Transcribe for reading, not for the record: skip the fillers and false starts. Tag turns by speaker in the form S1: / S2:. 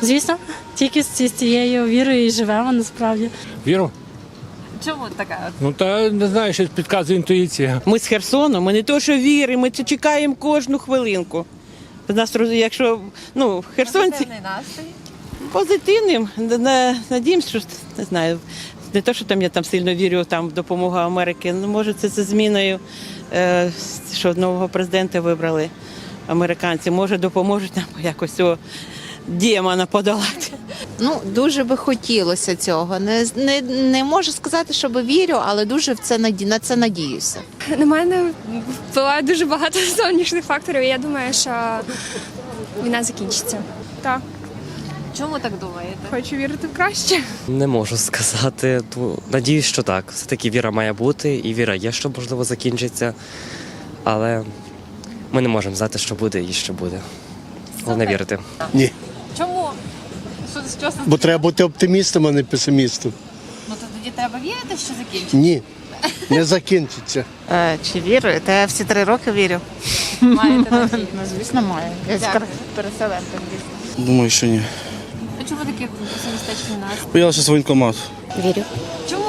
S1: Звісно, тільки з цією вірою і живемо насправді.
S2: Віру?
S3: Чому така?
S2: Ну та не знаю, щось підказує інтуїція.
S4: Ми з Херсону, ми не то, що віримо, ми це чекаємо кожну хвилинку. У нас, якщо, херсонці
S3: Позитивний настрій.
S4: позитивним, надіємося, що, не знаю, не то, що там я там сильно вірю в допомогу Америки, може це зміною, що нового президента вибрали американці, може допоможуть нам якось цього демона подолати.
S5: Дуже би хотілося цього. Не можу сказати, що вірю, але дуже на це надіюся.
S6: На мене впливає дуже багато зовнішніх факторів, і я думаю, що війна закінчиться. Так,
S3: Чому так думаєте?
S6: хочу вірити в краще.
S7: Не можу сказати. Надіюсь, що так. Все-таки віра має бути, і віра є, що можливо закінчиться. Але ми не можемо знати, що буде і що буде. Головне вірити.
S8: Ні.
S3: Чому? Що
S8: Бо треба бути оптимістом, а не песимістом.
S3: Ну то тоді треба вірити, що закінчиться.
S8: Ні. Не закінчиться.
S9: Чи вірю? Та я всі 3 роки вірю.
S3: Маєте надію.
S9: Звісно, маю. Я
S3: Дякую.
S9: переселенка.
S10: Думаю, що ні.
S3: А чому такий песимістичний настрій?
S10: Боялася воєнкомат.
S9: Вірю.
S3: Чому